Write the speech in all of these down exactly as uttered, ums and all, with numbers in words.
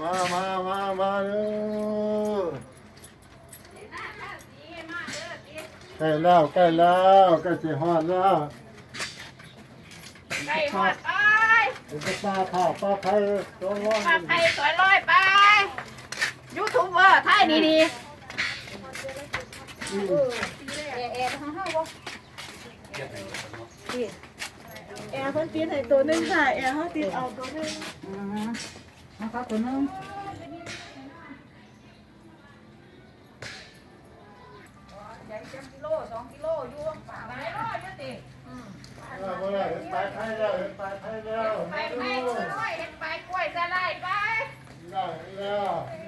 มามามามาเด้อใกล้แล้วใกล้แล้วใกล้สิฮอดแล้วไก่หมดไปเป็นปลาข้าวปลาไผ่ตัวร้อนปลาไผ่สวยร้อยไปยูทูบเบอร์ไทยดีดีแอร์แอร์ของเฮาบ่แอร์เพิ่นติดให้ตัวนึงค่ะแอร์เฮาติดเอาตัวนึงอือมาครับตัวนึงใหญ่จังกิโลสองกิโลอยู่หลายร้อยอยู่ติบ่ได้เห็นปลาไผ่แล้วเห็นปลาไผ่แล้วไปไปสวยร้อยเห็นไปกล้วยสลายไปได้แล้ว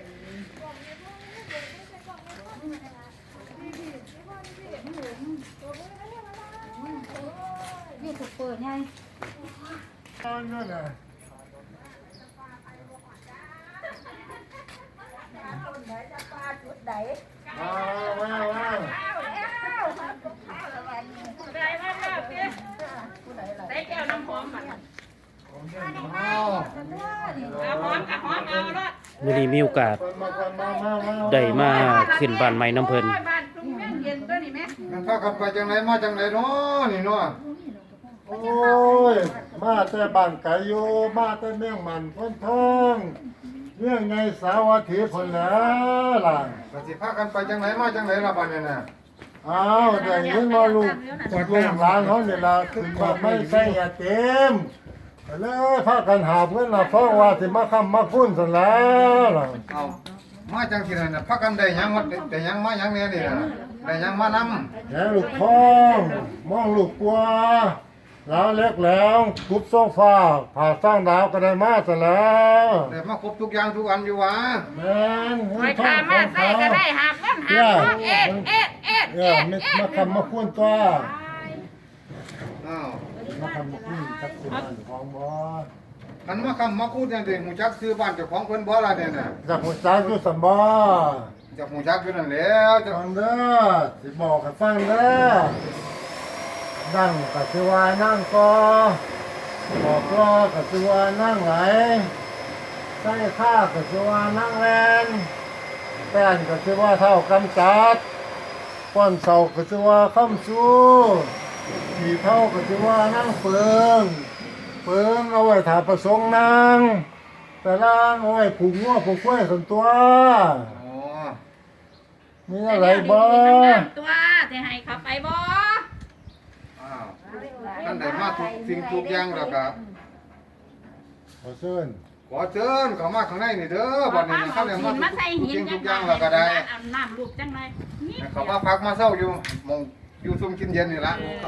นี่ถูกเปิดไงนั่นน่ะจุดใดมามามาได้มาแล้วติได้แก้วน้ำหอมมันเอาเอาหอมกับหอมเอาละมื้อนี้มีโอกาสมามามามาได้มาขึ้นบ้านใหม่น้ำเพิ่นบ้านทุ่งเมืองเย็นตัวนี้แม่งั้นพากันไปจังไหนมาจังไหนเนาะนี่เนาะโอ้ยมาแต่บ้านไก่อยู่มาแต่เมืองมันพ้นทองเรื่องไงสาวัตถีพุ่นแหล้วล่ะก็สิพากันไปจังไหนมาจังไหนล่ะบัดนี้น่ะอ้าวแต่ยังมาลูกลูกหลานเขาเนี่ยล่ะขึ้นมาไม่ใช่ยาเต็มก็เลยพากันหาเพื่อนล่ะเพราะว่าสิมาค้ำมาคุ้นซั่นแล้วล่ะเอามาจังซี่น่ะพากันได้หยังมาได้หยังมาหยังแน่นี่น่ะได้หยังมานำแหงลูกท้องมองลูกกลัวแล้วเล็กแล้วทุบโซฟาผ่าสร้างดาวก็ได้มาซะแล้วได้มาครบทุกอย่างทุกอันอยู่หวะแม่นไปทามาใส่ก็ได้หาเงินหาทองเอ็ดเอ็ดเอ็ดเอเอ็อดมาเอ็ดมาคำมาคุ้นตัวอ้าวมาคำมาคุ้นจักสิบ้านของบ่คันมาคำมาคูดจังซี่ฮู้จักซื้อบ้านเจ้าของเพิ่นบ่ล่ะเนี่ยน่ะจักหัวจักอยู่สัมบ่จะฮู้จักอยู่นั่นแหล้วจะฟังเด้อสิบอกให้ฟังเด้อนั่งก็สิว่านั่งก็บอกรอก็สิว่านั่งไหลใส่ข้าก็สิว่านั่งแลนแป้นก็สิว่าเท่ากำจัดป้อนเสาก็สิว่าค้ำสู้ขี่เท่าก็สิว่านั่งเปิงเปิงเอาไว้ถาประสงค์นั่งแต่ล่างเอาไว้ผูกงัวผูกกล้วยส่วนตัวอ๋อมีอะไรบ่ตัวจะให้เขาไปบ่อ้าวท่านได้มาทุกสิ่งทุกอย่างแล้วก็ขอเชิญขอเชิญเข้ามาข้างในนี่เด้อบัดนี้นะครับได้มาหินมาใส่ทุกหินสิ่งจัทุงกอย่างแล้วก็ได้อาบน้ำลูกจังเลยนี่ให้เขามาพักมาเช้าอยู่หมองอยู่ซุ่มกินเย็นนี่ล่ะก็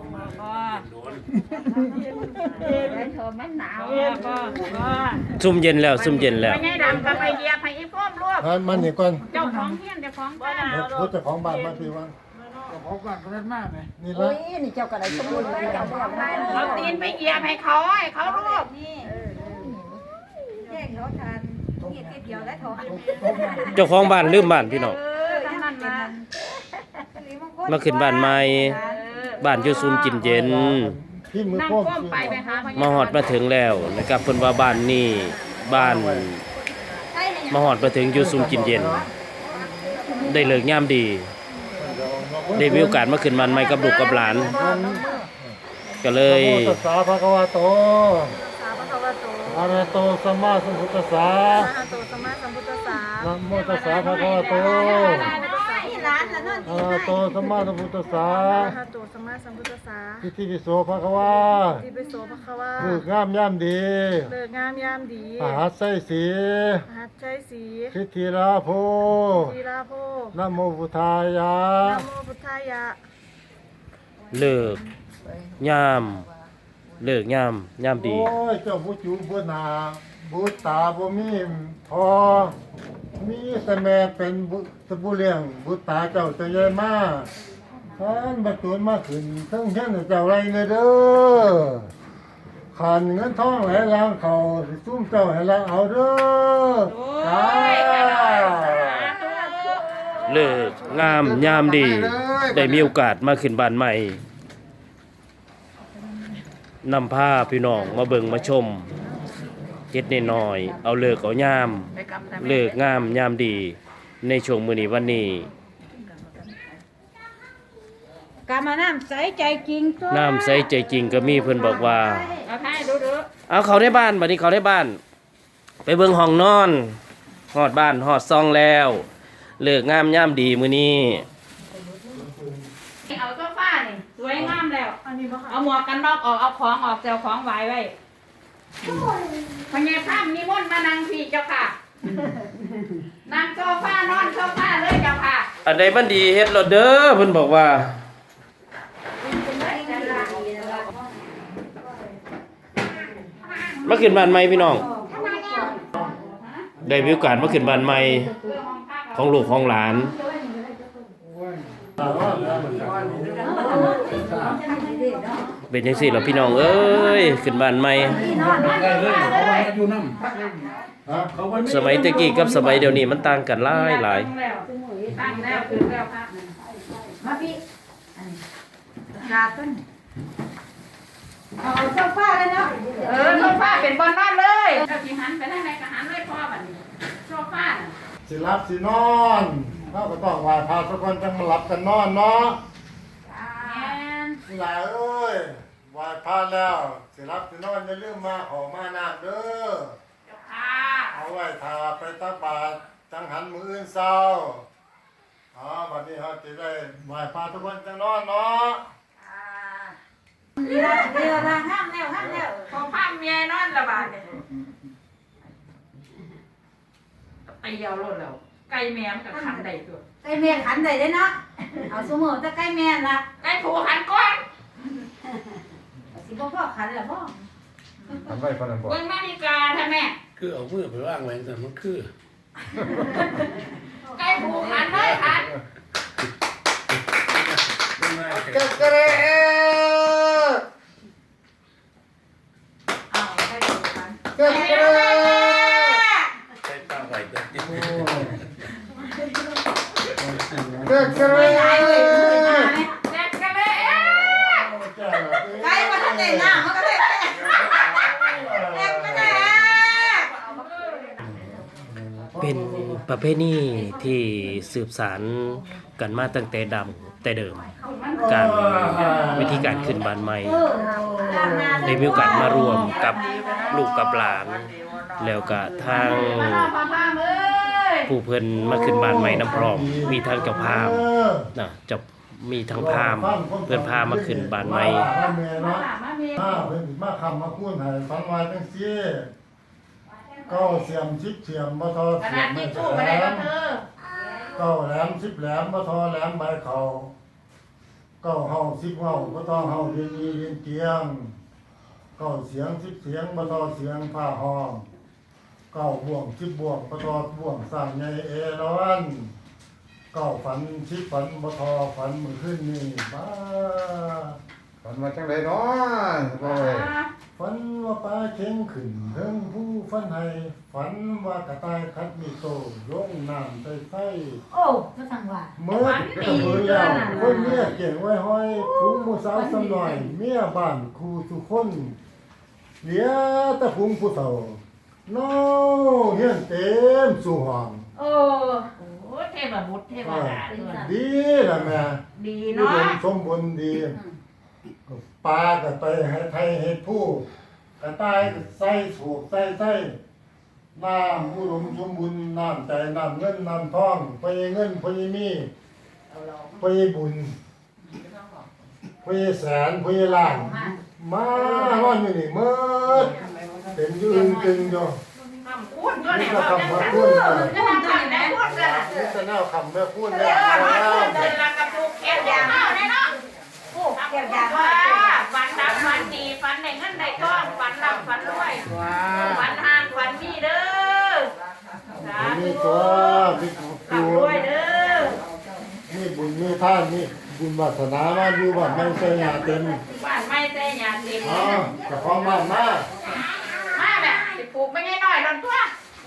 ได้เธอมันหนาวก็ก็ซุ่มเย็นแล้วซุ่มเย็นแล้วไปไงดำก็ไปเหยียบให้อีพ่อมลูกทานมันนี่ก่อนเจ้าของเฮียนเจ้าของบ้านพูดเจ้าของบ้านมาพี่วันของบ้านก็เล่นมากเลยนี่โอ้ละยนี่เจ้าก็ได้สมุนไพรกับของไทยเอาตีนไปเหยียบให้เขาให้เขาลูกนี่แย่งเขาทานนี่ทีเดียวแล้วเขาเจ้าของบ้านลืมบ้านพี่น้องเออทั้งนั้นนะมาขึ้นบ้านใหม่บ้านอยู่ซุ่มกินเย็นพี่มือนั่งโป้งก้มไปไปหาพญมาฮอดมาถึงแล้วนะครับเพิ่นว่าบ้านนี้บ้านมาฮอดมาถึงอยู่ซุ่มกินเย็น ได้เลิกยามดี ได้มีโอกาสมาขึ้นบ้านใหม่กับลูกกับหลาน ก็เลยตัสสะภะคะวะโตสาพระวะโตอะระโตสัมมาสัมพุทธัสสะสาโตสมาสัมพุทธัสสะนะโมตัสสะภะคะวะโตนี่ร้านละนั่นอะระโตสัมมาสัมพุทธัสสะสาโตสมาสัมพุทธัสสะพิธีปิโสภะคะวะที่ไปโสภควาคืองามย่ำดีเลิกงามยามดีมหัสไสสีหัดใจสีพิธีลาโพทีราโพนะโมพุทธายะนะโมพุทธายะเลิกยามเลิกยามยามดีโอ้ยเจ้าผู้จูผู้นาบุตาบ่มีพอมีแต่แม่เป็นบุตรผู้เลี้ยงบุตาเจ้าจะใหญ่มากท่านบัดตูนมาขึ้นทั้งเฮียนเจ้าไรเนเด้อขันเงินทองไหลลางเขาสิซุ่มเจ้าให้ละเอาเด้อจ้าเลิกงามยามดี ได้มีโอกาสมาขึ้นบ้านใหม่นำผ้าพี่น้องมาเบิ่งมาชมเฮ็ดน้อยๆเอาเลิกเอายามเลิกงามยามดีในช่วงมื้อนี้วันนี้กามาน้ำใสใจจริงตัวน้ำใสใจจริงก็มีเพิ่นบอกว่าเอาให้ดูดูเอาเขาได้บ้านบัดนี้เขาได้บ้าน ไปเบิ่งห้องนอนฮอดบ้านฮอดซองแล้วเลิกงามยามดีมื้อนี้เอาโซฟานี่สวยงามแล้วเอาหมวกกันน็อกออกเอาของออกเจ้าของไว้ไว้พญาภาพนิมนต์มานั่งพี่เจ้าค่ะนั่งโซฟานอนโซฟาเลยเจ้าค่ะอันใดมันดีเฮ็ดโลดเด้อเพิ่นบอกว่ามาขึ้นบ้านใหม่พี่น้องได้มีโอกาสมาขึ้นบ้านใหม่ของลูกของหลาน เป็นจังซี่ล่ะพี่น้องเอ้ยขึ้นบ้านใหม่สมัยตะกี้กับสมัยเดี๋ยวนี้มันต่างกันหลายหลายตั้งแล้วคือแล้วค่ะมาพี่กาต้นเอาโซฟาเลยเนาะเออโซฟาเป็นบอลนอนเลยเอาที่หันไปทางไหนก็หันเลยพ่อบัดนี้โซฟาน่ะสิรับสินอนเราก็ต้องไหว้พระทุกคนจังมาหลับกันนอนเนาะแม่นหลายเอ้ยไหว้พระแล้วสิรับสินอนอย่าลืมมาขอมาน้ำเด้อเจ้าค่ะเอาไว้ทาไปตักบาตรจังหันมื้ออื่นเช้าอ๋อบัดนี้เฮาสิได้ไหว้พระทุกคนจังนอนเนาะดีละดีละห้ามแล้วห้ามแล้วพอภาพเมียนอนละบาดเนี่ยตีเอาโลดแล้วไก่แม่มันก็ขันได้ตัวไก่แม่ขันได้เด้เนาะเอาสมมุติถ้าไก่แม่ละไก่ผูขันก้อนสิบ่พ่อขันละบ่ทำไว้พนันบ่เบิ่งนาฬิกาท่านแม่คือเอามือไปว่างไว้แต่มันคือไก่ผูขันเลยขันเก็บกระเรเอาไก่ผูขันเก็บกระเรใช้ปลาไหวตัวติดเก็บกระเรหลายเลยมือหาไหมเด็กกันเลยไก่มาทันได้น้ำมันก็ได้แอกไม่ได้เป็นประเพณีที่สืบสานกันมาตั้งแต่ดำแต่เดิม การวิธีการขึ้นบ้านใหม่ได้มีโอกาสมารวมกับลูกกับหลาน แล้วก็ทางมานอนพามามเอ้ยผู้เพิ่นมาขึ้นบ้านใหม่น้ำพร้อมมีทางเจ้าภาพนะจะมีทั้งพราหมณ์เพิ่นพามาขึ้นบ้านใหม่มาเมียมาเนาะมาเมียมาเพิ่นมาคำมาพูดให้ฟังว่าจังซี่เก้าเสียมสิบเสียมบ่ทอขเสียนาดมไม่ที่แหสู้มาได้ลก็มเธอเก้าแหลมสิบแหลมบ่ทอแหลมใบเขาเก้าเฮาสิบเฮาบ่ทอเฮาเรียนมีเรียนเกียงเก้าเสียงสิบเสียงบ่ทอเสียงผ้าห้องเก้าบ่วงสิบบ่วงบ่ทอบ่วงสร้างใหญ่เอราวัณเก้าฝันสิบฝันบ่ทอฝันมื้อคืนนี้บ้าฝันมาจังไดเนาะบ่เว้ยฝันว่าปลาเข็งขึ้นเทิงผู้ฝันให้ฝันว่ากระต่ายคัดมีโตลงน้ำไปไฟโอ้ก็สั่งว่าเมื่อก็เบื่อแล้วคนเมียเก่งไว้ห้อยฝูงผู้สาวสำหน่อยเมียบ้านครูทุกคนเหลือแต่ฝูงผู้เฒ่าน้อเฮียนเต็มสู่ห้องโอ้โหเทพบุตรเทพดาด้วยดีล่ะแม่ดีผู้เนาะดมสมบูรณ์ดีปลาก็ไปให้ไทยเฮ็ดผู้กระต่ายก็ใส่ถูกใส่ใส่น้ำอุดมสมบูรณ์น้ำใจน้ำเงินน้ำทองไปเงินไปมีไปบุญไปแสนไปล้านมาร้อนอยู่นี่เมื่อเต็มอยืนตึงอยู่คำพูดก็เนี่ยก็ว่าคำมาพูดกันจะทำคำไหนพูดกันนี่จะแนวคำแม่พูดเอแล้วอมาแล้วพูดเดินมากับลูกแก้วยาข้าวแน่เนาะโอ้แก้วยาว่าฝันดับฝันดีฝันในเงินในก้อนฝันรับฝันรวยฝันห่างฝันมีเด้อสามีธุตัวมีครับรูรวยเด้อมีบุญมีท่านมีบุญวาสนามาอยู่บ้านไม่ใช่ยาเต็มบ้านไม่แต่ยาเต็มอ๋อจะพร้อมมากมากมาแบบสิปลูกไม่ง่ายหน่อยลอนตัว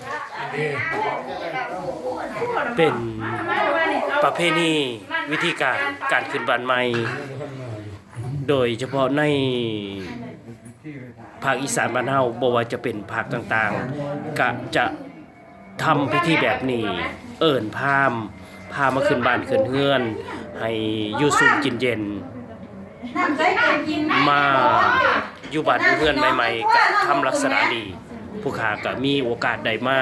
เป็นประเพณีวิธีการการขึ้นบ้านใหม่ โดยเฉพาะในภาคอีสานบ้านเฮาบ่ว่าจะเป็นภาคต่างๆก็จะทำพิธีแบบนี้เอิ้นพราหมณ์พามาขึ้นบ้านขึ้นเฮือน ให้อยู่สุขกินเย็นน้ำใส่กินนะมาอยู่บ้านอยู่เฮือนใหม่ๆก็ทำลักษณะดี ผู้ค้าก็มีโอกาสได้มา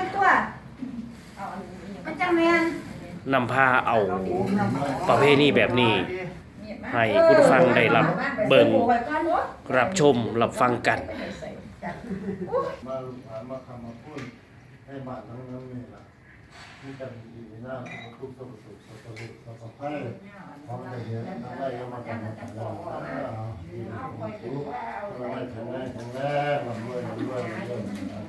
มันจะแม่นนำพาเอาประเพณีแบบนี้ ให้คุณผู้ฟังได้รับเบิ่งรับชมรับฟังกันมาผ่านมาคำมาพูดให้บ้านทั้งนั้นนี่ล่ะมีกันดีหน้าทุกข์สุขสุขสุขสุขสุขสุขให้พร้อมกันเยอะทั้งได้ก็มากันมากันเราทุกข์เราได้แข็งแรงแข็งแรงลำด้วยลำด้วยลำด้วย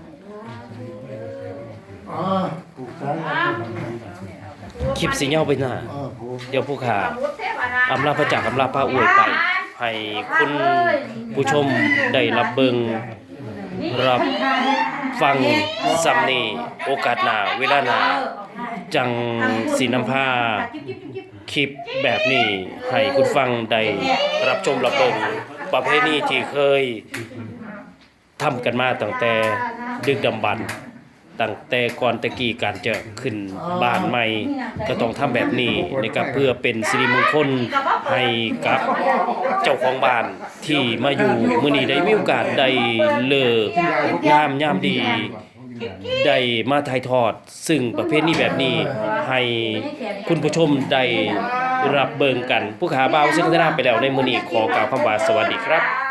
อ่าผูกช้างคลิปสิยาวไปหน้าอ่าผูกเดี๋ยวผู้ค้าอำลาพระจากอำลาพระอวยไป ให้คุณผู้ชมได้รับเบิ่งรับฟังซ้ำนี้โอกาสหน้าเวลาหน้าจังสินำพาคลิปแบบนี้ให้คุณฟังได้รับชมรับเบิ่งประเพณีที่เคยทำกันมาตั้งแต่ดึกดำบรรพ์ตั้งแต่ก่อนแตะกี้การจะขึ้นบ้านใหม่ก็ต้องทำแบบนี้นะครับเพื่อเป็นสิริมงคลให้กับเจ้าของบ้านที่มาอยู่มื้อนี้ได้มีโอกาสได้เลิกงามยามดีได้มาถ่ายทอด ซึ่งประเภทนี้แบบนี้ให้คุณผู้ชมได้รับเบิ่งกัน ผู้ขาบ่าวซึ่งได้รับไปแล้วในมื้อนี้ขอกล่าวคำว่าสวัสดีครับ